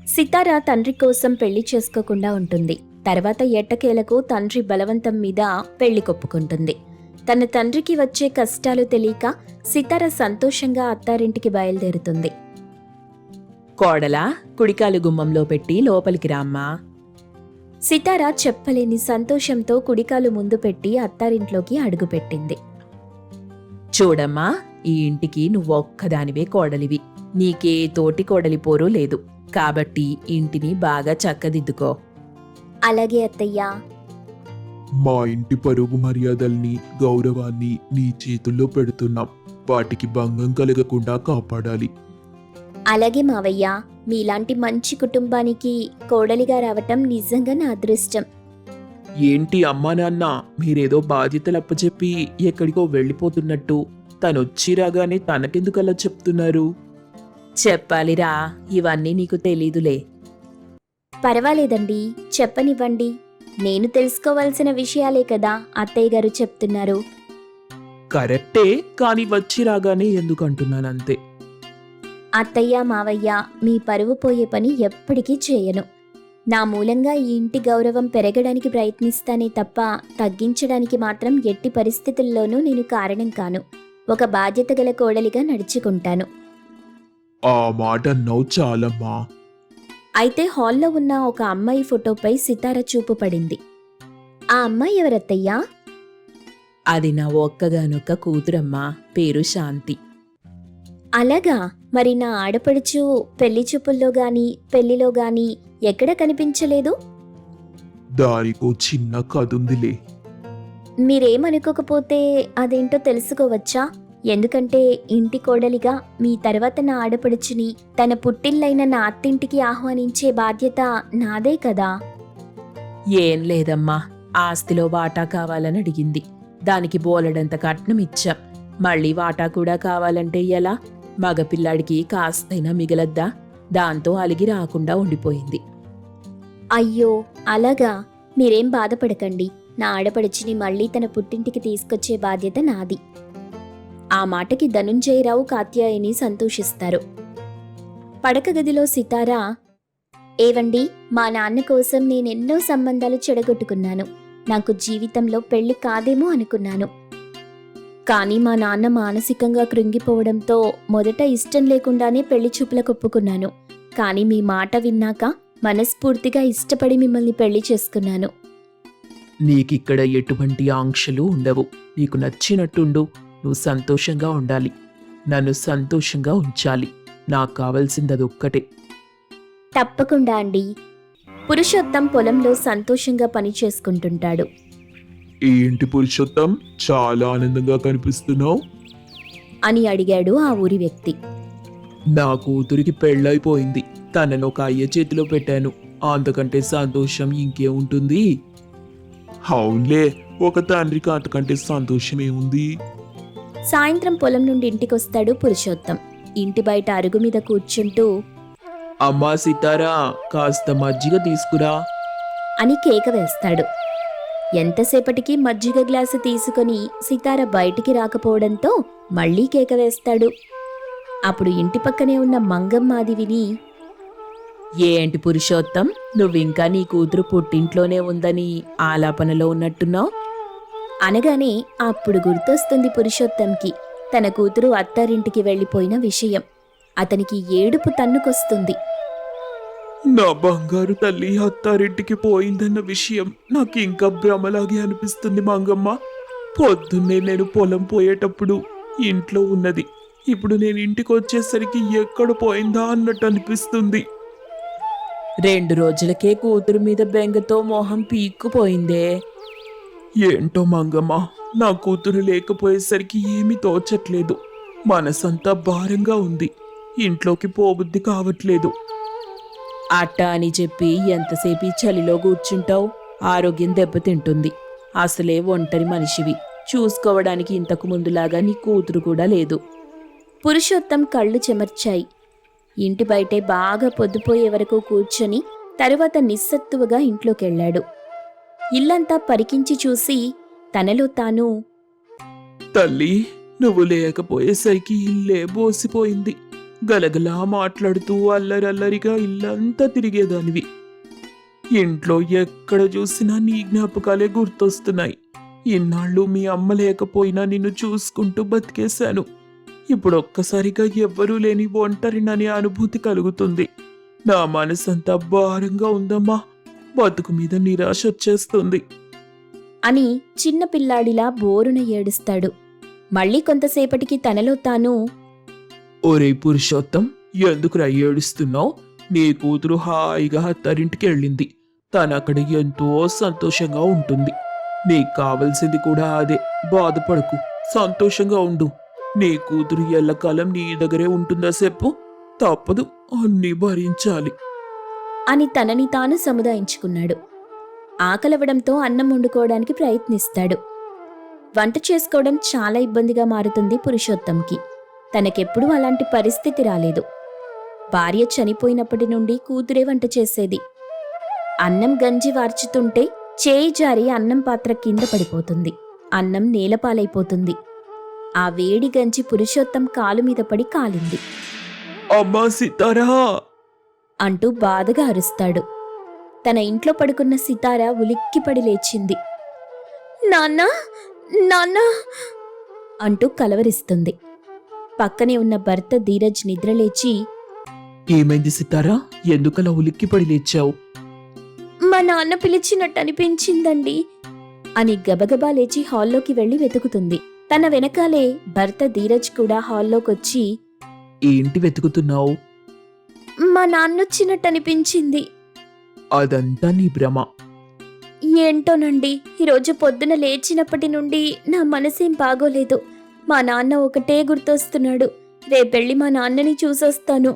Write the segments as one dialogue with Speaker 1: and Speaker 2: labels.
Speaker 1: సితార తండ్రి కోసం పెళ్లి చేసుకోకుండా ఉంటుంది. తర్వాత ఎట్టకేలకు తండ్రి బలవంతం మీద పెళ్లి కొప్పుకుంటుంది. తన తండ్రికి వచ్చే కష్టాలు తెలియక సితార సంతోషంగా అత్తారింటికి బయలుదేరుతుంది.
Speaker 2: కోడలా, కుడికాలు గుమ్మంలో పెట్టి లోపలికి రామ్మా.
Speaker 1: సితార చెప్పలేని సంతోషంతో కుడికాలు ముందు పెట్టి అత్తారింట్లోకి అడుగుపెట్టింది.
Speaker 2: చూడమ్మా, ఈ ఇంటికి నువ్వొక్కదానివే కోడలివి. నీకే తోటి కోడలి పోరు లేదు. కాబట్టి ఇంటిని బాగా చక్కదిద్దుకో.
Speaker 1: అలాగే అత్తయ్యా.
Speaker 3: మా ఇంటి పరువు మర్యాదల్ని, గౌరవాన్ని నీ చేతుల్లో పెడుతున్నాం. వాటికి భంగం కలగకుండా కాపాడాలి.
Speaker 1: అలాగే మావయ్య. మీలాంటి మంచి కుటుంబానికి కోడలిగా రావటం నిజంగా నా అదృష్టం.
Speaker 3: ఏంటి అమ్మా నాన్న, మీరేదో బాధ్యతలు అప్పచెప్పి ఎక్కడికో వెళ్ళిపోతున్నట్టు తనొచ్చి రాగానే తనకెందుకలా చెప్తున్నారు?
Speaker 2: చెప్పాలిరా, ఇవన్నీ నీకు తెలీదులే.
Speaker 1: పర్వాలేదండి, చెప్పనివ్వండి. నేను తెలుసుకోవాల్సిన విషయాలే కదా అత్తయ్య గారు చెప్తున్నారు.
Speaker 3: కరెక్టే, కాని వచ్చి రాగానే ఎందుకంటున్నానంతే.
Speaker 1: అత్తయ్య మావయ్య, మీ పరువు పోయే పని ఎప్పటికీ చేయను. నా మూలంగా ఈ ఇంటి గౌరవం పెరగడానికి ప్రయత్నిస్తానే తప్ప తగ్గించడానికి మాత్రం ఎట్టి పరిస్థితుల్లోనూ నేను కారణం కాను. ఒక బాధ్యత గల కోడలిగా నడుచుకుంటాను.
Speaker 3: ఆ మాట అన్నావు చాలమ్మా.
Speaker 1: అయితే హాల్లో ఉన్న ఒక అమ్మాయి ఫోటోపై సితార చూపు పడింది. ఆ అమ్మాయి ఎవరత్తయ్యా?
Speaker 2: అది నా ఒక్కగానొక్క కూతురమ్మా, పేరు శాంతి.
Speaker 1: అలాగా? మరి నా ఆడపడుచు పెళ్లి చూపుల్లో గాని పెళ్లిలో గాని ఎక్కడ కనిపించలేదు.
Speaker 3: దానికో చిన్న కదుందిలే.
Speaker 1: మీరేమనుకోకపోతే అదేంటో తెలుసుకోవచ్చా? ఎందుకంటే ఇంటి కోడలిగా మీ తర్వాత నా ఆడపడుచుని తన పుట్టిల్లైన నా అత్తింటికి ఆహ్వానించే బాధ్యత నాదే కదా.
Speaker 2: ఏం లేదమ్మా, ఆస్తిలో వాటా కావాలని అడిగింది. దానికి బోలెడంత కట్నం ఇచ్చాం. మళ్ళీ వాటా కూడా కావాలంటే ఎలా? మగపిల్లాడికి కాస్తైనా మిగలద్దా? దాంతో అలిగి రాకుండా ఉండిపోయింది.
Speaker 1: అయ్యో అలాగా? మీరేం బాధపడకండి. నా ఆడపడుచుని మళ్ళీ తన పుట్టింటికి తీసుకొచ్చే బాధ్యత నాది. ఆ మాటకి ధనుంజయరావు కాత్యాయని సంతోషిస్తారు. పడక గదిలో సితార, ఏవండి, మా నాన్న కోసం నేనెన్నో సంబంధాలు చెడగొట్టుకున్నాను. నాకు జీవితంలో పెళ్లి కాదేమో అనుకున్నాను. కానీ మా నాన్న మానసికంగా కృంగిపోవడంతో మొదట ఇష్టం లేకుండానే పెళ్లి చూపులకు ఒప్పుకున్నాను. కానీ మీ మాట విన్నాక మనస్ఫూర్తిగా ఇష్టపడి మిమ్మల్ని పెళ్లి చేసుకున్నాను.
Speaker 3: నీకిక్కడ ఎటువంటి ఆంక్షలు ఉండవు. నీకు నచ్చినట్టుండు. నువ్వు సంతోషంగా ఉండాలి. నన్ను సంతోషంగా ఉంచాలి. నాకు కావలసిందదొక్కటే.
Speaker 1: తప్పకుండా అండి. పురుషోత్తం పొలంలో సంతోషంగా పని చేసుకుంటుంటాడు.
Speaker 3: ఏంటి పురుషోత్తం, చాలా ఆనందంగా కనిపిస్తున్నావు
Speaker 1: అని అడిగాడు ఆ ఊరి వ్యక్తి.
Speaker 3: నా కూతురికి పెళ్ళైపోయింది. తనను ఒక అయ్య చేతిలో పెట్టాను. అంతకంటే సంతోషం ఇంకేముంటుంది? అవునులే, ఒక తండ్రికి అంతకంటే సంతోషం ఏముంది?
Speaker 1: సాయంత్రం పొలం నుండి ఇంటికొస్తాడు పురుషోత్తం. ఇంటి బయట అరుగు మీద కూర్చుంటూ,
Speaker 3: అమ్మా సితారా, కాస్త మజ్జిగ తీసుకురా
Speaker 1: అని కేక వేస్తాడు. ఎంతసేపటికి మజ్జిగ గ్లాసు తీసుకొని సితార బయటికి రాకపోవడంతో మళ్లీ కేక వేస్తాడు. అప్పుడు ఇంటి పక్కనే ఉన్న మంగమ్మాది విని,
Speaker 2: ఏంటి పురుషోత్తం, నువ్వింకా నీ కూతురు పుట్టింట్లోనే ఉందని ఆలాపనలో ఉన్నట్టున్నావు
Speaker 1: అనగానే అప్పుడు గుర్తొస్తుంది పురుషోత్తంకి తన కూతురు అత్తారింటికి వెళ్లిపోయిన విషయం. అతనికి ఏడుపు తన్నుకొస్తుంది.
Speaker 3: నా బంగారు తల్లి అత్తారింటికి పోయిందన్న విషయం నాకు ఇంకా భ్రమలాగే అనిపిస్తుంది మంగమ్మ. పొద్దున్నే నేను పొలం పోయేటప్పుడు ఇంట్లో ఉన్నది. ఇప్పుడు నేను ఇంటికి వచ్చేసరికి ఎక్కడ పోయిందా అన్నట్టు అనిపిస్తుంది.
Speaker 2: 2 రోజులకే కూతురు మీద బెంగతో మొహం పీక్కుపోయిందే.
Speaker 3: ఏంటో మంగమ్మ, నా కూతురు లేకపోయేసరికి ఏమీ తోచట్లేదు. మనసంతా భారంగా ఉంది. ఇంట్లోకి పోబుద్ధి కావట్లేదు.
Speaker 2: అట్టా అని చెప్పి ఎంతసేపు ఈ చలిలో కూర్చుంటావు? ఆరోగ్యం దెబ్బతింటుంది. అసలే ఒంటరి మనిషివి. చూసుకోవడానికి ఇంతకు ముందులాగా నీ కూతురు కూడా లేదు.
Speaker 1: పురుషోత్తం కళ్ళు చెమర్చాయి. ఇంటి బయటే బాగా పొద్దుపోయే వరకు కూర్చొని తరువాత నిస్సత్తువగా ఇంట్లోకెళ్లాడు. ఇల్లంతా పరికించి చూసి తనలో తాను,
Speaker 3: తల్లి, నువ్వు లేకపోయేసరికి ఇల్లే బోసిపోయింది. గలగలా మాట్లాడుతూ అల్లరల్లరిగా ఇల్లంతా తిరిగేదానివి. ఇంట్లో ఎక్కడ చూసినా నీ జ్ఞాపకాలే గుర్తొస్తున్నాయి. ఇన్నాళ్ళు మీ అమ్మ లేకపోయినా నిన్ను చూసుకుంటూ బతికేశాను. ఇప్పుడు ఒక్కసారిగా ఎవ్వరూ లేని ఒంటరిననే అనుభూతి కలుగుతుంది. నా మనసంతా భారంగా ఉందమ్మా. బతుకు మీద నిరాశ వచ్చేస్తుంది.
Speaker 1: అని చిన్న పిల్లాడిలా బోరున ఏడుస్తాడు. మళ్ళీ కొంతసేపటికి తనలో తాను,
Speaker 3: ఒరే పురుషోత్తం, ఎందుకురా ఏడుస్తున్నావు? నీ కూతురు హాయిగా అత్తారింటికి వెళ్ళింది. తనక్కడ ఎంతో సంతోషంగా ఉంటుంది. నీకు కావలసింది కూడా అదే. బాధపడకు, సంతోషంగా ఉండు. నీ కూతురు ఎల్లకాలం నీ దగ్గరే ఉంటుందా చెప్పు? తప్పదు, అన్నీ భరించాలి.
Speaker 1: అని తనని తాను సముదాయించుకున్నాడు. ఆకలవడంతో అన్నం వండుకోవడానికి ప్రయత్నిస్తాడు. వంట చేసుకోవడం చాలా ఇబ్బందిగా మారుతుంది పురుషోత్తంకి. తనకెప్పుడూ అలాంటి పరిస్థితి రాలేదు. భార్య చనిపోయినప్పటి నుండి కూతురే వంట చేసేది. అన్నం గంజి వార్చుతుంటే చేయి జారి అన్నం పాత్ర కింద పడిపోతుంది. అన్నం నేలపాలైపోతుంది. ఆ వేడి గంజి పురుషోత్తం కాలు మీద పడి కాలింది
Speaker 3: అమ్మా సితారా
Speaker 1: అంటూ బాధగా అరుస్తాడు. తన ఇంట్లో పడుకున్న సితార ఉలిక్కిపడి లేచింది. నాన్నా, నాన్నా అంటూ కలవరిస్తుంది. పక్కనే ఉన్న భర్త ధీరజ్ నిద్రలేచి,
Speaker 3: ఏమైంది సితారా? ఎందుకలా ఉలిక్కిపడి లేచావు?
Speaker 1: మా నాన్న పిలిచినట్టు అనిపించిందండి అని గబగబా లేచి హాల్లోకి వెళ్లి వెతుకుతుంది. తన వెనకాలే భర్త ధీరజ్ కూడా హాల్లోకొచ్చి,
Speaker 3: ఏంటి వెతుకుతున్నావు?
Speaker 1: మా నాన్నొచ్చినట్టు అనిపించింది.
Speaker 3: అదంతా నీ భ్రమ.
Speaker 1: ఏంటోనండి, ఈరోజు పొద్దున లేచినప్పటి నుండి నా మనసేం బాగోలేదు. మా నాన్న ఒకటే గుర్తొస్తున్నాడు. రేపెళ్ళి మా నాన్నని చూసొస్తాను.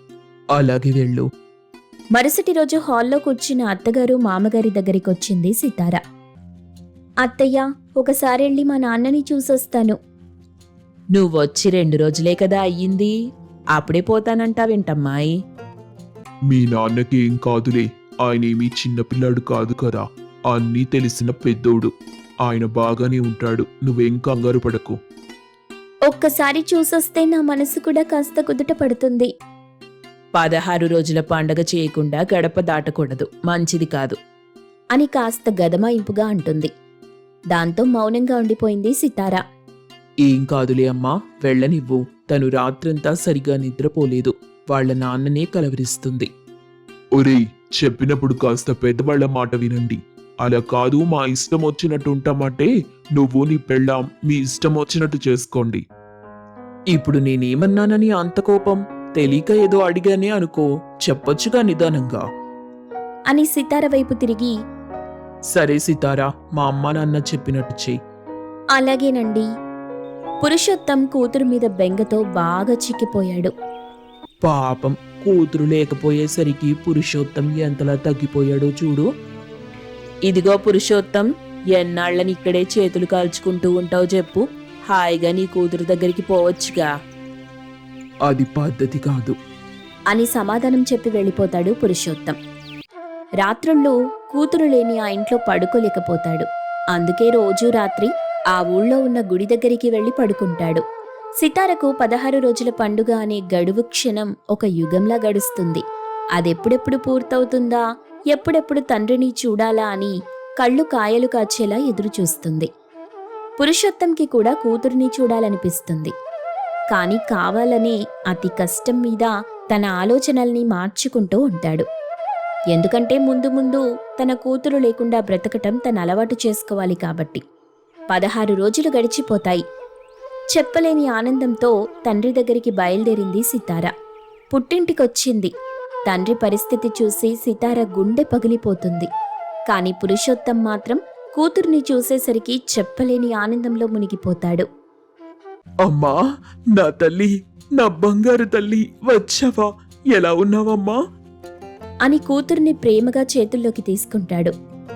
Speaker 3: అలాగే వెళ్ళు.
Speaker 1: మరుసటి రోజు హాల్లో కూర్చున్న అత్తగారు మామగారి దగ్గరికొచ్చింది సితార. అత్తయ్య, ఒకసారెళ్ళి మా నాన్నని చూసొస్తాను.
Speaker 2: నువ్వొచ్చి 2 రోజులే కదా అయ్యింది, అప్పుడే పోతానంటావేంటమ్మాయి?
Speaker 3: మీ నాన్నకి ఏం కాదులే. ఆయనేమీ చిన్నపిల్లాడు కాదు కదా. అన్నీ తెలిసిన పెద్దోడు. ఆయన బాగానే ఉంటాడు. నువ్వేం కంగారు పడకు.
Speaker 1: ఒక్కసారి చూసొస్తే నా మనసు కూడా కాస్త కుదుట పడుతుంది.
Speaker 2: 16 రోజుల పండగ చేయకుండా గడప దాటకూడదు, మంచిది కాదు
Speaker 1: అని కాస్త గదమాయింపుగా అంటుంది. దాంతో మౌనంగా ఉండిపోయింది సితార.
Speaker 3: ఏం కాదులే అమ్మా, వెళ్ళనివ్వు. తను రాత్రంతా సరిగా నిద్రపోలేదు. వాళ్ళ నాన్ననే కలవరిస్తుంది. ఒరేయ్, చెప్పినప్పుడు కాస్త పెద్దవాళ్ల మాట వినండి. అలా కాదు, మా ఇష్టం వచ్చినట్టు ఉంటామంటే నువ్వు నీ పెళ్ళాం మీ ఇష్టం వచ్చినట్టు చేసుకోండి. ఇప్పుడు నేనేమన్నానని అంత కోపం? తెలియక ఏదో అడిగానే అనుకో, చెప్పొచ్చుగా నిదానంగా.
Speaker 1: అని సితార వైపు తిరిగి,
Speaker 3: సరే సితారా, మా అమ్మ నాన్న చెప్పినట్టు చెయ్యి.
Speaker 1: అలాగేనండి. పురుషోత్తం కూతురు మీద బెంగతో బాగా చిక్కిపోయాడు.
Speaker 3: పాపం, కూతురు లేకపోయేసరికి పురుషోత్తం ఎంతలా తగ్గిపోయాడో చూడు.
Speaker 2: ఇదిగో పురుషోత్తం, ఎన్నాళ్ళని ఇక్కడే చేతులు కాల్చుకుంటూ ఉంటావు చెప్పు? హాయిగా నీ కూతురు దగ్గరికి పోవచ్చుగా.
Speaker 3: అది పద్ధతి కాదు
Speaker 1: అని సమాధానం చెప్పి వెళ్ళిపోతాడు పురుషోత్తం. రాత్రుళ్ళు కూతురు లేని ఆ ఇంట్లో పడుకోలేకపోతాడు. అందుకే రోజూ రాత్రి ఆ ఊళ్ళో ఉన్న గుడి దగ్గరికి వెళ్లి పడుకుంటాడు. సితారకు 16 రోజుల పండుగ అనే గడువు క్షణం ఒక యుగంలా గడుస్తుంది. అదెప్పుడెప్పుడు పూర్తవుతుందా, ఎప్పుడెప్పుడు తండ్రిని చూడాలా అని కళ్ళు కాయలు కాచేలా ఎదురుచూస్తుంది. పురుషోత్తంకి కూడా కూతురిని చూడాలనిపిస్తుంది. కాని కావాలనే అతి కష్టం మీద తన ఆలోచనల్ని మార్చుకుంటూ ఉంటాడు. ఎందుకంటే ముందు ముందు తన కూతురు లేకుండా బ్రతకటం తన అలవాటు చేసుకోవాలి కాబట్టి. 16 రోజులు గడిచిపోతాయి. చెప్పలేని ఆనందంతో తండ్రి దగ్గరికి బయలుదేరింది సితార. పుట్టింటికొచ్చింది. తండ్రి పరిస్థితి చూసి సితార గుండె పగిలిపోతుంది. కాని పురుషోత్తం మాత్రం కూతుర్ని చూసేసరికి చెప్పలేని ఆనందంలో మునిగిపోతాడు.
Speaker 3: అమ్మా, నా తల్లి, నా బంగారు తల్లి, వచ్చావా? ఎలా ఉన్నావమ్మా?
Speaker 1: అని కూతుర్ని ప్రేమగా చేతుల్లోకి తీసుకుంటాడు.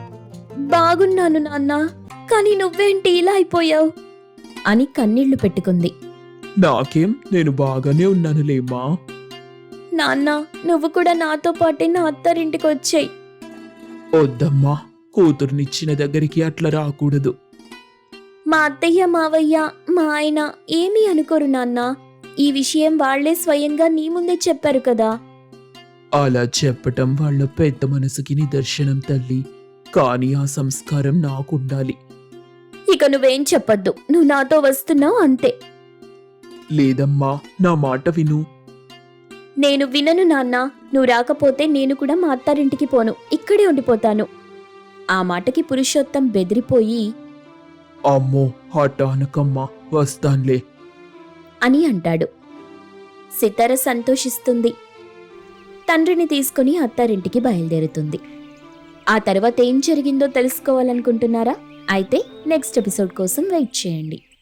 Speaker 1: బాగున్నాను నాన్నా, కాని నువ్వేంటి ఇలా అయిపోయావు అని కన్నీళ్లు పెట్టుకుంది.
Speaker 3: నాకేం, నేను బాగానే ఉన్నానులేమ్మా.
Speaker 1: నాన్న, నువ్వు కూడా నాతో పాటే నా అత్తారింటికి వచ్చాయి.
Speaker 3: వద్దమ్మా, కూతుర్నిచ్చిన దగ్గరికి అట్లా రాకూడదు.
Speaker 1: మా అత్తయ్య, మావయ్య, మా ఆయన ఏమీ అనుకోరు నాన్న. ఈ విషయం వాళ్లే స్వయంగా నీ ముందే చెప్పారు కదా.
Speaker 3: అలా చెప్పటం వాళ్ళ పెద్ద మనసుకి నిదర్శనం తల్లి. కానీ ఆ సంస్కారం నాకుండాలి.
Speaker 1: ఇక నువ్వేం చెప్పొద్దు, నువ్వు నాతో వస్తున్నావు అంతే.
Speaker 3: లేదమ్మా, నా మాట విను.
Speaker 1: నేను వినను నాన్న. నువ్వు రాకపోతే నేను కూడా మా అత్తారింటికి పోను, ఇక్కడే ఉండిపోతాను. ఆ మాటకి పురుషోత్తం బెదిరిపోయి
Speaker 3: అమ్మో హఠానకమ్మా, వస్తాన్లే
Speaker 1: అని అంటాడు. సితార సంతోషిస్తుంది. తండ్రిని తీసుకుని అత్తారింటికి బయలుదేరుతుంది. ఆ తర్వాత ఏం జరిగిందో తెలుసుకోవాలనుకుంటున్నారా? అయితే నెక్స్ట్ ఎపిసోడ్ కోసం వెయిట్ చేయండి.